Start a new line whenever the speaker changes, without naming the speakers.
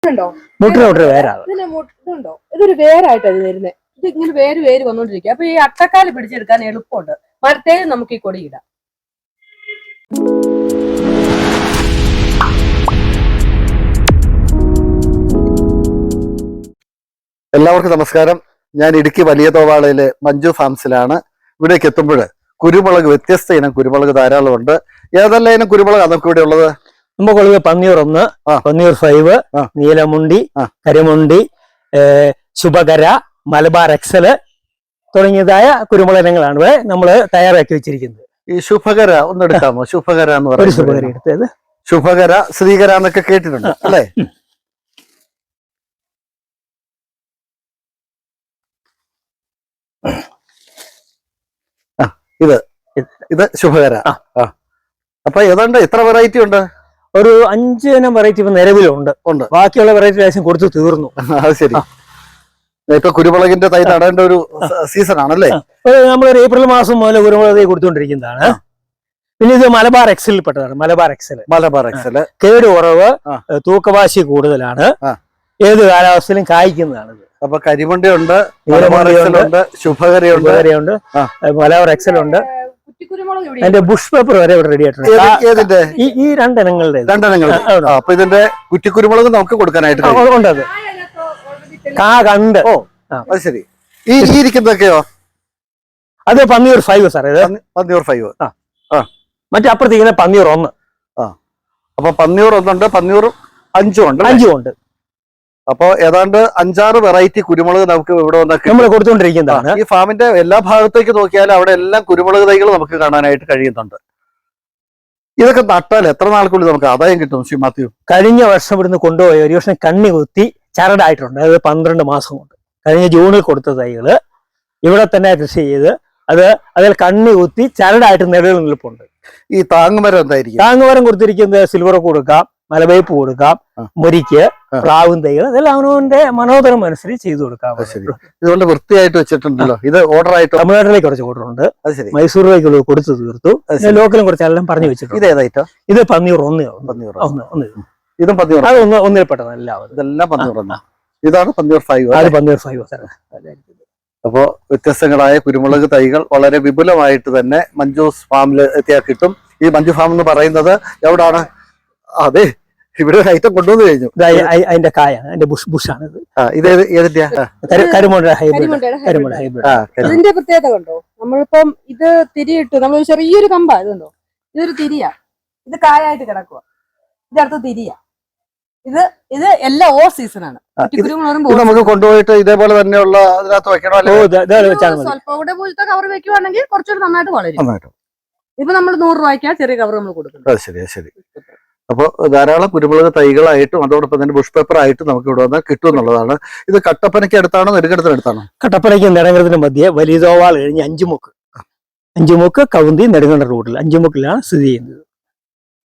മുട്ടിന് വേരാണ്.
ഇതുണ്ടോ, ഇതൊരു വേരായിട്ടാണ് വരുന്നത്. ഇത് ഇങ്ങനെ വേര് വന്നോണ്ടിരിക്കുക. അപ്പൊ ഈ അട്ടക്കാല് പിടിച്ചെടുക്കാൻ എളുപ്പമുണ്ട്. മരത്തേലും നമുക്ക് ഈ കൊടി ഇടാം.
എല്ലാവർക്കും നമസ്കാരം. ഞാൻ ഇടുക്കി വലിയ തോവാളയിലെ മഞ്ജു ഫാംസിലാണ്. ഇവിടേക്ക് എത്തുമ്പോൾ കുരുമുളക്, വ്യത്യസ്ത ഇനം കുരുമുളക് ധാരാളമുണ്ട്. ഏതെല്ലാം ഇനം കുരുമുളക് നമുക്ക് ഇവിടെ ഉള്ളത്?
നമുക്കുള്ളത് പന്നിയൂർ 1, പന്നിയൂർ 5, നീലമുണ്ടി, കരിമുണ്ടി, ശുഭകര, മലബാർ എക്സൽ തുടങ്ങിയതായ കുരുമുളക് ഇനങ്ങളാണ് ഇവിടെ നമ്മൾ തയ്യാറാക്കി വെച്ചിരിക്കുന്നത്.
ഈ ശുഭകര ഒന്ന് എടുക്കാമോ? ശുഭകര എന്ന് പറയുന്നത്
ശുഭകര എടുത്തത്.
ശുഭകര, ശ്രീകര എന്നൊക്കെ കേട്ടിട്ടുണ്ട് അല്ലേ? ഇത് ശുഭകര. അപ്പൊ ഏതാണ്ട് എത്ര വെറൈറ്റി ഉണ്ട്?
ഒരു 5 ഇനം വെറൈറ്റി ഇപ്പൊ നിലവിലുണ്ട്. ബാക്കിയുള്ള വെറൈറ്റി ലേശം കൊടുത്തു തീർന്നു.
അത് ശരി. ഇപ്പൊ കുരുമുളകിന്റെ തൈ നടേണ്ട ഒരു സീസൺ ആണല്ലേ?
നമ്മളൊരു ഏപ്രിൽ മാസം മുതൽ കുരുമുളക് തൈ കൊടുത്തുകൊണ്ടിരിക്കുന്നതാണ്. പിന്നെ ഇത് മലബാർ എക്സലിൽ പെട്ടതാണ്. മലബാർ എക്സൽ കേട് കുറവ്, തൂക്കവാശി കൂടുതലാണ്, ഏത് കാലാവസ്ഥയിലും കായ്ക്കുന്നതാണ്.
അപ്പൊ കരിമണ്ടി ഉണ്ട്, നീലമുണ്ട്, ശുഭകരയുണ്ട്,
മലബാർ എക്സൽ ഉണ്ട്. അതിന്റെ ബുഷ് പേപ്പർ വരെ ഇവിടെ റെഡി ആയിട്ടുണ്ട്. ഈ രണ്ടിനങ്ങളുടെ
അപ്പൊ ഇതിന്റെ കുറ്റിക്കുരുമുളക് നമുക്ക് കൊടുക്കാനായിട്ട്
ഉണ്ടത്. കാ കണ്ട്.
ഓ അത് ശരി. ഈ ഇരിക്കുന്നതൊക്കെയോ?
അത് പന്നിയൂർ 5 സാർ. ഇത്
പന്നിയൂർ 5.
മറ്റേ അപ്പുറത്തേക്കുന്ന പന്നിയൂർ 1.
അപ്പൊ പന്നിയൂർ 1 ഉണ്ട്, പന്നിയൂർ 5 ഉണ്ട്. അപ്പൊ ഏതാണ്ട് 5-6 വെറൈറ്റി കുരുമുളക് നമുക്ക് ഇവിടെ
നമ്മൾ കൊടുത്തുകൊണ്ടിരിക്കുന്നതാണ്.
ഈ ഫാമിന്റെ എല്ലാ ഭാഗത്തേക്ക് നോക്കിയാലും അവിടെ എല്ലാം കുരുമുളക് തൈകൾ നമുക്ക് കാണാനായിട്ട് കഴിയുന്നുണ്ട്. ഇതൊക്കെ നട്ടാൽ എത്ര നാൾക്കുള്ളിൽ നമുക്ക് ആദായം കിട്ടും ശ്രീ മാത്യു?
കഴിഞ്ഞ വർഷം ഇവിടുന്ന് കൊണ്ടുപോയി ഒരു വർഷം കണ്ണി കുത്തി ചരടായിട്ടുണ്ട്. അത് 12 മാസം കൊണ്ട്. കഴിഞ്ഞ ജൂണിൽ കൊടുത്ത തൈകള് ഇവിടെ തന്നെ കൃഷി ചെയ്ത് അതിൽ കണ്ണി കുത്തി ചരടായിട്ട് നിലനിൽപ്പുണ്ട്.
ഈ താങ്ങുമരം എന്തായിരിക്കും?
താങ്ങുമരം കൊടുത്തിരിക്കുന്നത് സിൽവർ കൊടുക്കാം, മലവേപ്പ് കൊടുക്കാം, മുരിക്ക്, പ്ലാവും തൈകൾ, അതെല്ലാം അവനവന്റെ മനോദരം അനുസരിച്ച് ചെയ്തു കൊടുക്കാം.
ഇതുകൊണ്ട് വൃത്തിയായിട്ട് വെച്ചിട്ടുണ്ടല്ലോ. ഇത് ഓർഡർ ആയിട്ട്
തമിഴ്നാട്ടിലേക്ക് കുറച്ച് ഓർഡർ ഉണ്ട്. മൈസൂരിലേക്ക് കൊടുത്തു തീർത്തു. ലോക്കലും കുറച്ചെല്ലാം പറഞ്ഞു വെച്ചിട്ടുണ്ട്.
ഇത് ഏതായിട്ടോ?
ഇത് പന്നിയൂർ 1.
ഇതും പന്നിയൂർ.
അത് ഒന്നിൽപ്പെട്ടതാണ്.
ഇതെല്ലാം പന്നിയൂർ. ഇതാണ് പന്നിയൂർ 5.
അത് പന്നിയൂർ 5.
അപ്പോ വ്യത്യസ്തങ്ങളായ കുരുമുളക് തൈകൾ വളരെ വിപുലമായിട്ട് തന്നെ മഞ്ജൂസ് ഫാമിൽ എത്തിയാൽ കിട്ടും. ഈ മഞ്ജു ഫാം എന്ന് പറയുന്നത് എവിടാണ്? അതെ, ഇവിടെ ഒരു ഐറ്റം കൊണ്ടുവന്നു കഴിഞ്ഞു.
അതിന്റെ കായാണ്, അതിന്റെ ബുഷാണ്.
ഇത് ഏതിന്റെയാ?
ഇതിന്റെ പ്രത്യേകത കണ്ടോ? നമ്മളിപ്പം ഇത് തിരിയിട്ടു, നമ്മൾ ചെറിയൊരു കമ്പാ. ഇതുണ്ടോ? ഇതൊരു തിരിയാ. ഇത് കായായിട്ട് കിടക്കുക. ഇതിനകത്ത് തിരിയാ. ഇത് എല്ലാം ഓ സീസണാണ്.
നമുക്ക് കൊണ്ടുപോയിട്ട് ഇതേപോലെ തന്നെയുള്ള അതിനകത്ത് വെക്കണോ?
സ്വല്പം കൂടെ പോലത്തെ കവർ വെക്കുവാണെങ്കിൽ കുറച്ചുകൂടെ നന്നായിട്ട് വളരും. ഇപ്പൊ നമ്മൾ 100 രൂപയ്ക്കാ ചെറിയ കവർ നമ്മൾ കൊടുക്കുന്നത്.
ശരി. അപ്പോൾ ധാരാളം കുരുമുളക് തൈകളായിട്ടും അതോടൊപ്പം തന്നെ ബുഷ് പേപ്പർ ആയിട്ടും നമുക്ക് ഇവിടെ വന്നാൽ കിട്ടും എന്നുള്ളതാണ്. ഇത് കട്ടപ്പനയ്ക്ക് അടുത്താണോ നെടുങ്കണ്ടത്തിനടുത്താണോ?
കട്ടപ്പനയ്ക്ക് നെടുങ്കണ്ടത്തിന് മധ്യേ വലിയ തോവാൾ കഴിഞ്ഞ് 5 മുക്ക് കവുന്തി നെടുങ്കണ്ട റൂട്ടിൽ 5 മുക്കിലാണ് സ്ഥിതി ചെയ്യുന്നത്.